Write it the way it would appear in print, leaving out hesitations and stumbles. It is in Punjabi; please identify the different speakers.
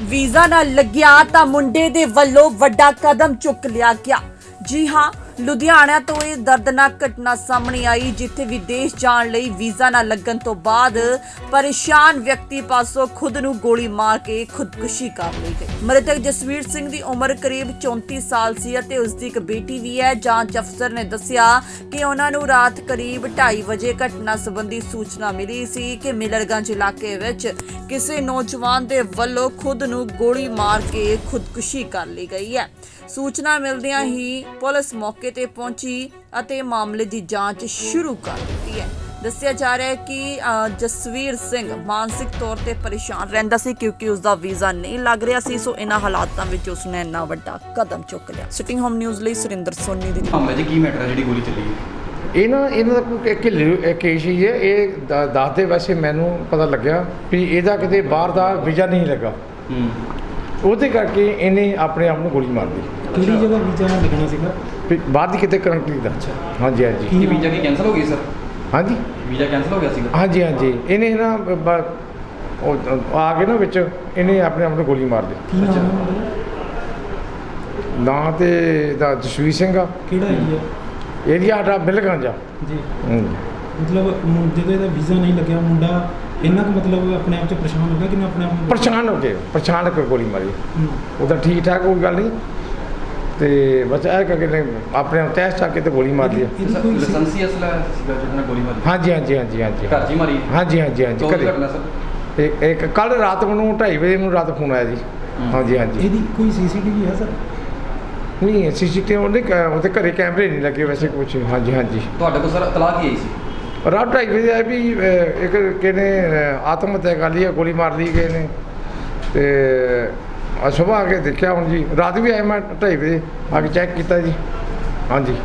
Speaker 1: ਵੀਜ਼ਾ ਨਾ ਲੱਗਿਆ ਤਾਂ ਮੁੰਡੇ ਦੇ ਵੱਲੋਂ ਵੱਡਾ ਕਦਮ ਚੁੱਕ ਲਿਆ ਗਿਆ। ਜੀ ਹਾਂ, ਲੁਧਿਆਣਾ ਤੋਂ ਇਹ ਦਰਦਨਾਕ ਘਟਨਾ ਸਾਹਮਣੇ ਆਈ, ਜਿੱਥੇ ਵਿਦੇਸ਼ ਜਾਣ ਲਈ ਵੀਜ਼ਾ ਨਾ ਲੱਗਣ ਤੋਂ ਬਾਅਦ ਪਰੇਸ਼ਾਨ ਵਿਅਕਤੀ ਪਾਸੋਂ ਖੁਦ ਨੂੰ ਗੋਲੀ ਮਾਰ ਕੇ ਖੁਦਕੁਸ਼ੀ ਕਰ ਲਈ ਗਈ। ਮ੍ਰਿਤਕ ਜਸਵੀਰ ਸਿੰਘ ਦੀ ਉਮਰ ਕਰੀਬ 34 ਸਾਲ ਸੀ ਅਤੇ ਉਸ ਦੀ ਇੱਕ ਬੇਟੀ ਵੀ ਹੈ। ਜਾਂਚ ਅਫਸਰ ਨੇ ਦੱਸਿਆ ਕਿ ਉਹਨਾਂ ਨੂੰ ਰਾਤ ਕਰੀਬ 2:30 ਵਜੇ ਘਟਨਾ ਸੰਬੰਧੀ ਸੂਚਨਾ ਮਿਲੀ ਸੀ ਕਿ ਮਿਲਰਗੰਜ ਇਲਾਕੇ ਵਿੱਚ ਕਿਸੇ ਨੌਜਵਾਨ ਦੇ ਵੱਲੋਂ ਖੁਦ ਨੂੰ ਗੋਲੀ ਮਾਰ ਕੇ ਖੁਦਕੁਸ਼ੀ ਕਰ ਲਈ ਗਈ ਹੈ। ਸੂਚਨਾ ਮਿਲਦਿਆਂ ਹੀ ਪੁਲਿਸ ਮੌਕੇ ਤੇ ਪਹੁੰਚੀ ਅਤੇ ਮਾਮਲੇ ਦੀ ਜਾਂਚ ਸ਼ੁਰੂ ਕਰ ਦਿੱਤੀ ਹੈ। ਦੱਸਿਆ ਜਾ ਰਿਹਾ ਹੈ ਕਿ ਜਸਵੀਰ ਸਿੰਘ ਮਾਨਸਿਕ ਤੌਰ ਤੇ ਪਰੇਸ਼ਾਨ ਰਹਿੰਦਾ ਸੀ ਕਿਉਂਕਿ ਉਸ ਦਾ ਵੀਜ਼ਾ ਨਹੀਂ ਲੱਗ ਰਿਹਾ ਸੀ। ਸੋ ਇਹਨਾਂ ਹਾਲਾਤਾਂ ਵਿੱਚ ਉਸਨੇ ਇੰਨਾ ਵੱਡਾ ਕਦਮ ਚੁੱਕ ਲਿਆ। ਸਿਟਿੰਗ ਹੋਮ ਨਿਊਜ਼ ਲਈ ਸੁਰਿੰਦਰ ਸੋਨੀ ਦੀ
Speaker 2: ਮਾਮਲੇ 'ਚ ਕੀ ਮੈਟਰ ਹੈ ਜਿਹੜੀ ਗੋਲੀ ਚੱਲੀ ਹੈ?
Speaker 3: ਇਹਨਾਂ ਦਾ ਕੋਈ ਕੇਸ ਹੀ ਹੈ। ਇਹ ਦੱਸਦੇ ਵੈਸੇ ਮੈਨੂੰ ਪਤਾ ਲੱਗਿਆ ਵੀ ਇਹਦਾ ਕਿਤੇ ਬਾਹਰ ਦਾ ਵੀਜ਼ਾ ਨਹੀਂ ਲੱਗਾ, ਉਹਦੇ ਕਰਕੇ ਇਹਨੇ ਆਪਣੇ ਆਪ ਨੂੰ ਗੋਲੀ ਮਾਰ ਦਿੱਤੀ।
Speaker 4: ਕਿਹੜੀ ਜਗ੍ਹਾ ਵੀਜ਼ਾ ਲੱਗਣਾ ਸੀਗਾ?
Speaker 3: ਵੀ ਬਾਹਰ ਦੀ ਕਿਤੇ ਕੰਟਰੀ ਦਾ। ਹਾਂਜੀ ਹਾਂਜੀ
Speaker 2: ਕੀ ਵੀਜ਼ਾ ਕੀ ਕੈਂਸਲ ਹੋ ਗਈ ਸਰ?
Speaker 3: ਹਾਂਜੀ
Speaker 2: ਵੀਜ਼ਾ ਕੈਂਸਲ ਹੋ ਗਿਆ ਸੀਗਾ?
Speaker 3: ਹਾਂਜੀ ਹਾਂਜੀ ਇਹਨੇ ਨਾ ਉਹ ਆ ਕੇ ਨਾ ਵਿੱਚ ਇਹਨੇ ਆਪਣੇ ਆਪ ਨੂੰ ਗੋਲੀ ਮਾਰ ਦਿੱਤੀ।
Speaker 4: ਕੀ ਨਾਮ ਹੈ ਉਹਦਾ?
Speaker 3: ਨਾਂ ਤੇ ਦਾ ਜਸਵੀਰ ਸਿੰਘ ਆ।
Speaker 4: ਕਿਹੜਾ ਏਰੀਆ?
Speaker 3: ਏਰੀਆ ਸਾਡਾ ਮਿਲਗੰਜ ਆ।
Speaker 4: ਜੀ ਮਤਲਬ ਜਦੋਂ ਇਹਦਾ ਵੀਜ਼ਾ ਨਹੀਂ ਲੱਗਿਆ, ਮੁੰਡਾ ਇੰਨਾ ਕੁ ਮਤਲਬ ਆਪਣੇ ਆਪ 'ਚ ਪਰੇਸ਼ਾਨ ਹੋ ਗਿਆ ਕਿ ਮੈਂ ਆਪਣੇ ਆਪ ਨੂੰ
Speaker 3: ਪਰੇਸ਼ਾਨ ਹੋ ਕੇ ਗੋਲੀ ਮਾਰੀ। ਉਹਦਾ ਠੀਕ ਠਾਕ ਕੋਈ ਗੱਲ ਨਹੀਂ, ਤੇ ਬਸ ਇਹ ਕਰਕੇ ਨੇ ਆਪਣੇ ਆਪ ਤੈਸ ਚੱਕ ਕੇ ਤੇ ਗੋਲੀ ਮਾਰ ਲਈ।
Speaker 2: ਲਾਇਸੈਂਸੀ ਅਸਲਾ ਸੀਗਾ ਜਿਹਨਾਂ ਨੇ ਗੋਲੀ ਮਾਰੀ?
Speaker 3: ਹਾਂਜੀ ਹਾਂਜੀ ਹਾਂਜੀ ਹਾਂਜੀ
Speaker 2: ਘਰ 'ਚ ਹੀ ਮਾਰੀ?
Speaker 3: ਹਾਂਜੀ ਹਾਂਜੀ ਹਾਂਜੀ
Speaker 2: ਕਦੋਂ ਦੀ ਘਟਨਾ ਸਰ?
Speaker 3: ਇੱਕ ਕੱਲ ਰਾਤ ਨੂੰ 2:30 ਵਜੇ ਨੂੰ ਰਾਤ ਫੋਨ ਆਇਆ ਜੀ। ਹਾਂਜੀ ਹਾਂਜੀ
Speaker 4: ਇਹਦੀ ਕੋਈ ਸੀਸੀਟੀਵੀ ਹੈ ਸਰ?
Speaker 3: ਨਹੀਂ ਸੀਸੀਟੀਵੀ ਉਹਦੇ ਘਰੇ ਕੈਮਰੇ ਨਹੀਂ ਲੱਗੇ ਵੈਸੇ ਕੁਛ। ਹਾਂਜੀ ਹਾਂਜੀ
Speaker 2: ਤੁਹਾਡੇ ਕੋਲ ਸਰ ਇਤਲਾਹ ਕੀ ਆਈ ਸੀ?
Speaker 3: ਰਾਤ 2:30 ਵਜੇ ਆਇਆ ਵੀ ਇੱਕ ਕਿਹਨੇ ਆਤਮ ਹੱਤਿਆ ਕਰ ਲਈ ਹੈ, ਗੋਲੀ ਮਾਰ ਲਈ ਗਏ ਨੇ। ਤੇ ਸੁਬਾਹ ਆ ਕੇ ਦੇਖਿਆ ਹੁਣ ਜੀ, ਰਾਤ ਵੀ ਆਇਆ ਮੈਂ 2:30 ਵਜੇ ਆ ਕੇ ਚੈੱਕ ਕੀਤਾ ਜੀ। ਹਾਂਜੀ।